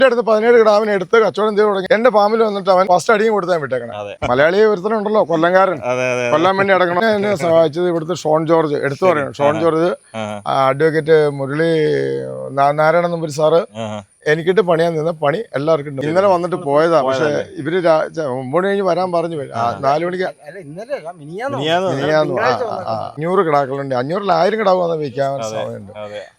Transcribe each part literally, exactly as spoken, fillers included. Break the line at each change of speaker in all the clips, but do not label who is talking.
അടുത്ത് പതിനേഴ് കിടാവിനെ എടുത്ത് കച്ചവടം ചെയ്ത് തുടങ്ങി. എന്റെ ഫാമിൽ വന്നിട്ട് അവൻ ഫസ്റ്റ് അടിയും കൊടുത്താൻ വിട്ടേക്കണം. മലയാളിയെ ഒരുത്തനുണ്ടല്ലോ കൊല്ലംകാരൻ, കൊല്ലാൻ വേണ്ടി അടക്കണം. എന്നെ സഹായിച്ചത് ഇവിടുത്തെ ഷോൺ ജോർജ്, എടുത്തു പറയണം ഷോൺ ജോർജ്, അഡ്വക്കേറ്റ് മുരളി നാരായണ നമ്പൂരി സാറ് എനിക്കിട്ട് പണിയാൻ നിന്ന പണി എല്ലാവർക്കും ഉണ്ട്. ഇന്നലെ വന്നിട്ട് പോയതാ. പക്ഷെ ഇവര് ഒമ്പത് കഴിഞ്ഞ് വരാൻ പറഞ്ഞു. നാലു മണിക്ക് അഞ്ഞൂറ് കിടാക്കളുണ്ട്. അഞ്ഞൂറിൽ ആയിരം കിടാവ് വന്ന് വിൽക്കാൻ സമയമുണ്ട്.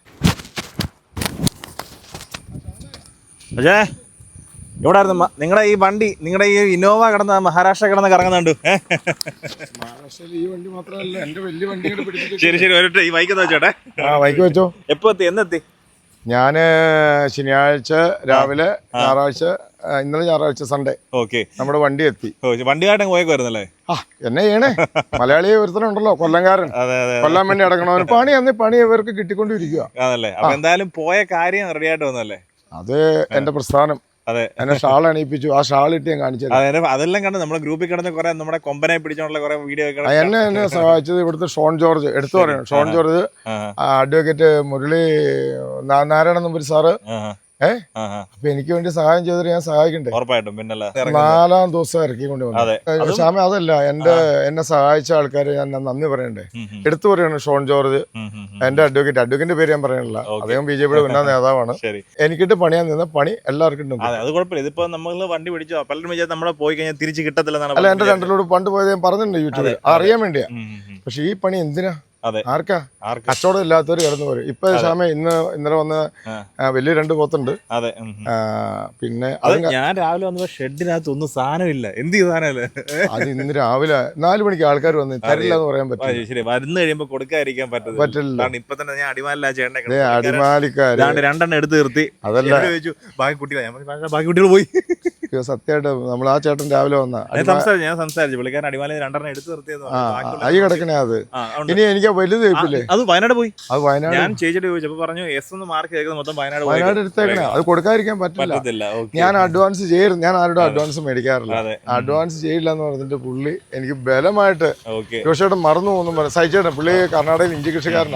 പക്ഷേ എവിടെ ആയിരുന്നു നിങ്ങളുടെ ഈ വണ്ടി, നിങ്ങളുടെ ഈ ഇന്നോവ കിടന്ന മഹാരാഷ്ട്ര കിടന്ന് കറങ്ങുന്നുണ്ട്?
മഹാരാഷ്ട്രയിൽ ഈ വണ്ടി മാത്രമല്ല, എന്റെ വലിയ വണ്ടി.
ശരി ശരി ഒരു ഈ ബൈക്ക് വെച്ചോട്ടെ.
ആ ബൈക്ക് വെച്ചോ.
എപ്പോ എത്തി? എന്നെത്തി?
ഞാന് ശനിയാഴ്ച രാവിലെ, ഞായറാഴ്ച, ഇന്നലെ ഞായറാഴ്ച സൺഡേ
ഓക്കെ നമ്മുടെ
വണ്ടി എത്തി.
വണ്ടിയായിട്ട് പോയേക്കുവായിരുന്നല്ലേ?
ആ എന്നെ ചെയ്യണേ, മലയാളിയെ ഒരുത്തനുണ്ടല്ലോ കൊല്ലംകാരൻ, കൊല്ലാൻ വേണ്ടി അടക്കണവന് പണി അന്ന് പണി ഇവർക്ക് കിട്ടിക്കൊണ്ടിരിക്കുക.
അതല്ലേ? അപ്പൊ എന്തായാലും പോയ കാര്യം റെഡി ആയിട്ട് വന്നല്ലേ?
അത് എന്റെ പ്രസ്ഥാനം.
അതെ,
എന്നെ ഷാൾ അണിയിപ്പിച്ചു. ആ ഷാൾ ഇട്ട് ഞാൻ കാണിച്ചത്.
അതെല്ലാം കണ്ട് നമ്മുടെ ഗ്രൂപ്പിൽ കിടന്ന് കുറെ നമ്മുടെ കൊമ്പനെ പിടിച്ചോണ്ടുള്ള കുറെ വീഡിയോ.
എന്നെ എന്നെ സഹായിച്ചത് ഇവിടുത്തെ ഷോൺ ജോർജ്, എടുത്തു പറയണം ഷോൺ ജോർജ്, അഡ്വക്കേറ്റ് മുരളി നാരായണ നമ്പൂരി സാറ്. ഏഹ് അപ്പൊ എനിക്ക് വേണ്ടി സഹായം ചെയ്തിട്ട് ഞാൻ സഹായിക്കണ്ടേ?
ഉറപ്പായിട്ടും. പിന്നെ
നാലാം ദിവസം ഇറക്കിക്കൊണ്ട് വന്നു. ശ്യാമ അതല്ല, എന്റെ എന്നെ സഹായിച്ച ആൾക്കാര് ഞാൻ നന്ദി പറയണ്ടേ? എടുത്തു പറയണം ഷോൺ ജോർജ്, എന്റെ അഡ്വക്കേറ്റ്. അഡ്വക്കേറ്റിന്റെ പേര് ഞാൻ പറയണില്ല, അദ്ദേഹം ബി ജെ പിയുടെ ഉന്നത നേതാവാണ്. എനിക്കിട്ട് പണിയാൻ നിന്ന പണി എല്ലാവർക്കും ഉണ്ട്.
അത് കുഴപ്പമില്ല. ഇതിപ്പോ നമ്മള് വണ്ടി പിടിച്ചോ, പലരും വിചാരിച്ചാൽ നമ്മളെ പോയി കഴിഞ്ഞാൽ തിരിച്ച് കിട്ടത്തില്ല.
അല്ല, എന്റെ രണ്ടിലൂടെ പണ്ട് പോയത് ഞാൻ പറഞ്ഞിട്ടുണ്ട് യൂട്യൂബിൽ, അറിയാൻ വേണ്ടിയാ. പക്ഷെ ഈ പണി എന്തിനാ? ആർക്കാ? കച്ചവടം ഇല്ലാത്തവർ കിടന്നു പോരും. ഇപ്പൊ ശ്യാമ ഇന്ന് ഇന്നലെ വന്ന് വലിയ രണ്ട് പോത്തുണ്ട്.
അതെ,
പിന്നെ
ഞാൻ രാവിലെ വന്നപ്പോ ഷെഡിനകത്ത് ഒന്നും സാധനമില്ല. എന്ത് സാധനമല്ലേ അത്? ഇന്ന്
രാവിലെ നാലു മണിക്ക് ആൾക്കാർ വന്ന് തരില്ല എന്ന് പറയാൻ പറ്റില്ല.
ശരി, വരുന്ന കഴിയുമ്പോ കൊടുക്കാതിരിക്കാൻ പറ്റില്ല. ഇപ്പൊ തന്നെ ഞാൻ അടിമാലില്ല ചേട്ടനെ,
അടിമാലിക്കാര്
രണ്ടെണ്ണം എടുത്ത് നിർത്തി.
അതല്ല,
ചോദിച്ചു ബാക്കി കുട്ടികളെ, ബാക്കി കുട്ടികൾ പോയി.
സത്യമായിട്ട് നമ്മൾ ആ ചേട്ടൻ രാവിലെ വന്ന
സംസാരിച്ചു, ഞാൻ സംസാരിച്ചു. പുള്ളിക്കാരൻ അടിമാലി രണ്ടെണ്ണം എടുത്ത് നിർത്തിയത്.
അയ്യ കിടക്കണേ അത്. ഇനി എനിക്ക് വലുത്
അത് വയനാട് പോയി.
അത് വയനാട്
ഞാൻ ചേച്ചിട്ട് ചോദിച്ചപ്പോ പറഞ്ഞു എസ് ഒന്ന് മാർക്ക് ചെയ്തത് മൊത്തം വയനാട്
വയനാട് എടുത്തേക്കണേ. അത് കൊടുക്കാതിരിക്കാൻ പറ്റില്ല. ഞാൻ അഡ്വാൻസ് ചെയ്യരുത്. ഞാൻ ആരുടെ അഡ്വാൻസ് മേടിക്കാറില്ല. അഡ്വാൻസ് ചെയ്യില്ല എന്ന് പറഞ്ഞിട്ട് പുള്ളി എനിക്ക് ബലമായിട്ട് ജോഷേട്ടൻ മറന്നു പോകുന്നു പറഞ്ഞു. സഹിച്ചേട്ടൻ പുള്ളി കർണാടകയിൽ ഇഞ്ചി കൃഷിക്കാരനാ.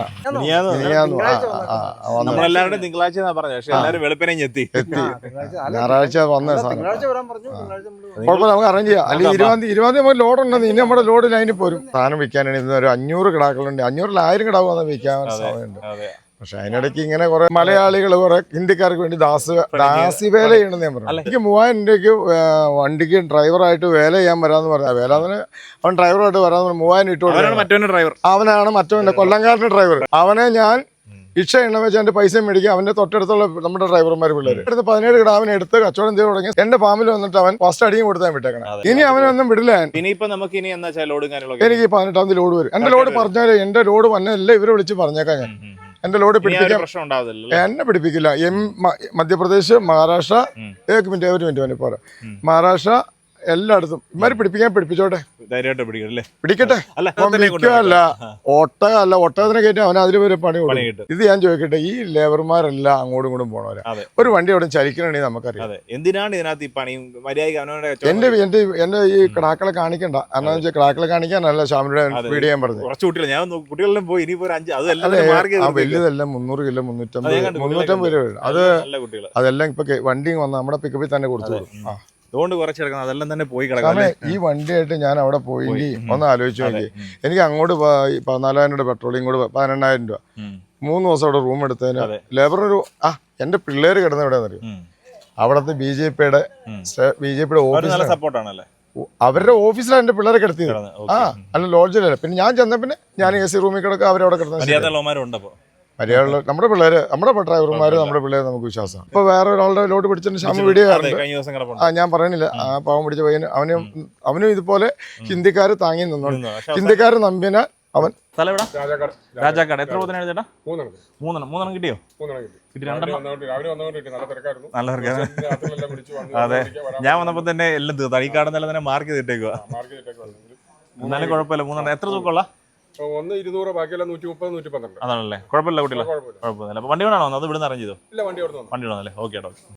നമ്മളെല്ലാവരും തിങ്കളാഴ്ച പറഞ്ഞു. പക്ഷെ എല്ലാവരും വെളുപ്പിനെ എത്തി
എത്തി ഞായറാഴ്ച വന്ന സാധനം കുഴപ്പമില്ല, നമുക്ക് അറേഞ്ച് ചെയ്യാം. അല്ലെങ്കിൽ ഇരുപതാം തീയതി ഇരുപതാം തീയതി നമുക്ക് ലോഡ് ഉണ്ടെന്ന്. ഇനി നമ്മുടെ ലോഡ് ലൈനിൽ പോരും. സാധനം വിൽക്കാനാണ് ഇന്ന് ഒരു അഞ്ഞൂറ് കിടാക്കളുണ്ട്. അഞ്ഞൂറിൽ ആയിരം കിടാവ് വന്ന് വിൽക്കാൻ സമയമുണ്ട്. പക്ഷെ അതിനിടയ്ക്ക് ഇങ്ങനെ കുറെ മലയാളികൾ കുറെ ഹിന്ദിക്കാർക്ക് വേണ്ടി ദാസ് ദാസി വേല ചെയ്യണമെന്ന് ഞാൻ പറഞ്ഞു. എനിക്ക് മൂവായിരം രൂപയ്ക്ക് വണ്ടിക്ക് ഡ്രൈവറായിട്ട് വേല ചെയ്യാൻ വരാമെന്ന് പറഞ്ഞാൽ വേല അതിന് അവൻ ഡ്രൈവറായിട്ട് വരാമെന്ന് പറഞ്ഞു. മൂവായിരം ഇട്ടു
ഡ്രൈവർ
അവനാണ് മറ്റവന്റെ കൊല്ലംകാരന്റെ ഡ്രൈവർ. അവനെ ഞാൻ ഇക്ഷ എണ്ണ വെച്ച് എന്റെ പൈസ മേടിക്കും. അവന്റെ തൊട്ടടുത്തുള്ള നമ്മുടെ ഡ്രൈവർമാർ പിള്ളേർ എടുത്ത് പതിനേഴ് കിടാവിനെ എടുത്ത് കച്ചവടം ചെയ്ത് തുടങ്ങി. എന്റെ ഫാമിൽ വന്നിട്ട് അവൻ ഫസ്റ്റ് അടിയും കൊടുത്താൻ വിട്ടേക്കണം. ഇനി അവനൊന്നും വിടില്ല. എനിക്ക് പതിനെട്ടാം തീയതി ലോഡ് വരും. എന്റെ ലോഡ് പറഞ്ഞാല് എന്റെ ലോഡ് വന്നല്ല ഇവരെ വിളിച്ച് പറഞ്ഞേക്കാം. ഞാൻ എന്റെ ലോഡ് പിടിപ്പിക്കാൻ എന്നെ പിടിപ്പിക്കില്ല. എം മധ്യപ്രദേശ്, മഹാരാഷ്ട്ര, ഏക് മിനിറ്റ് ഒരു മിനിറ്റ് വേണ്ടി പോരാ, മഹാരാഷ്ട്ര എല്ലായിടത്തും ഇമാര് പിടിപ്പിക്കാൻ പിടിപ്പിച്ചോട്ടെ, പിടിക്കട്ടെ. മിക്കല്ല ഒട്ടകല്ല, ഒട്ടകത്തിനെ കയറ്റി അവൻ അതിൽ വരെ പണി കൊടുക്കും. ഇത് ഞാൻ ചോദിക്കട്ടെ, ഈ ലേബർമാരെല്ലാം അങ്ങോട്ടും ഇങ്ങോട്ടും പോണവരാ. ഒരു വണ്ടി അവിടെ ചലിക്കണമെങ്കിൽ നമുക്കറിയാം.
എന്തിനാണ് ഇതിനകത്ത് ഈ പണി?
എന്റെ എന്റെ എന്റെ ഈ കിടാക്കളെ കാണിക്കണ്ട. കാരണം വെച്ചാൽ കിടാക്കളെ കാണിക്കാനല്ല ശ്യാമിയുടെ വീഡിയോ ഞാൻ പറഞ്ഞു. വലുതെല്ലാം മുന്നൂറ് കിലോ മുന്നൂറ്റമ്പത് മുന്നൂറ്റമ്പത് രൂപ. അത് അതെല്ലാം ഇപ്പൊ വണ്ടി വന്ന നമ്മുടെ പിക്കപ്പിൽ തന്നെ കൊടുത്തു.
അതുകൊണ്ട് കുറച്ചെടുക്കണം, അതെല്ലാം തന്നെ പോയി കിടക്കാം.
ഈ വണ്ടിയായിട്ട് ഞാൻ അവിടെ പോയി ഒന്ന് ആലോചിച്ചു നോക്കി. എനിക്ക് അങ്ങോട്ട് പതിനാലായിരം രൂപ പെട്രോളിയം കൂടെ പതിനെണ്ണായിരം രൂപ മൂന്ന് ദിവസം അവിടെ റൂം എടുത്തതിന് ലേബർ ഒരു ആ എന്റെ പിള്ളേര് കിടന്ന എവിടെയാണെന്ന് അറിയും. അവിടത്തെ ബി ജെ പിയുടെ ബി ജെ പിയുടെ ഓഫീസ്
സപ്പോർട്ടാണല്ലേ,
അവരുടെ ഓഫീസിലാണ് എന്റെ പിള്ളേരെ കിടത്തിയത്. ആ അല്ല ലോഡ്ജിലല്ല. പിന്നെ ഞാൻ ചെന്ന പിന്നെ ഞാൻ എ സി റൂമിൽ കിടക്കുക, അവരവിടെ കിടന്നത്. മര്യാദ നമ്മുടെ പിള്ളേര്, നമ്മുടെ ഡ്രൈവർമാര്, നമ്മുടെ പിള്ളേര് നമുക്ക് വിശ്വാസം. ഇപ്പൊ വേറെ ഒരാളുടെ ലോഡ് പിടിച്ചിട്ട് ശ്യാമ വീഡിയോ ആ ഞാൻ പറയണില്ല, ആ പാവം പിടിച്ച പയ്യന് അവനും അവനും ഇതുപോലെ ഹിന്ദിക്കാര് താങ്ങി നിന്നോണ്ട് ഹിന്ദിക്കാര് നമ്പിന അവൻ
രാജാക്കാട്. എത്ര ചേട്ടാ? മൂന്നെണ്ണം മൂന്നെണ്ണം കിട്ടിയോ? നല്ല അതെ, ഞാൻ വന്നപ്പോ തന്നെ എല്ലാം തീർന്നു. ഈ കാണുന്ന തന്നെ മാർക്ക് ചെയ്തിട്ടേക്കുക. എന്നാലും കുഴപ്പമില്ല, മൂന്നെണ്ണം. എത്ര തൂക്കമുള്ള?
ഒന്ന് ഇരുന്നൂറ്, ബാക്കിയെല്ലാം നൂറ്റി മുപ്പത് നൂറ്റി പന്ത്രണ്ട്.
അതാണല്ലേ? കുഴപ്പമില്ല കുട്ടികളെ, കുഴപ്പമില്ല. അപ്പൊ വണ്ടി കൊണ്ടാണോ അത്? ഇവിടുന്ന് അറേഞ്ച് ചെയ്തോ? വണ്ടി കൊണ്ടാണല്ലേ? ഓക്കെ.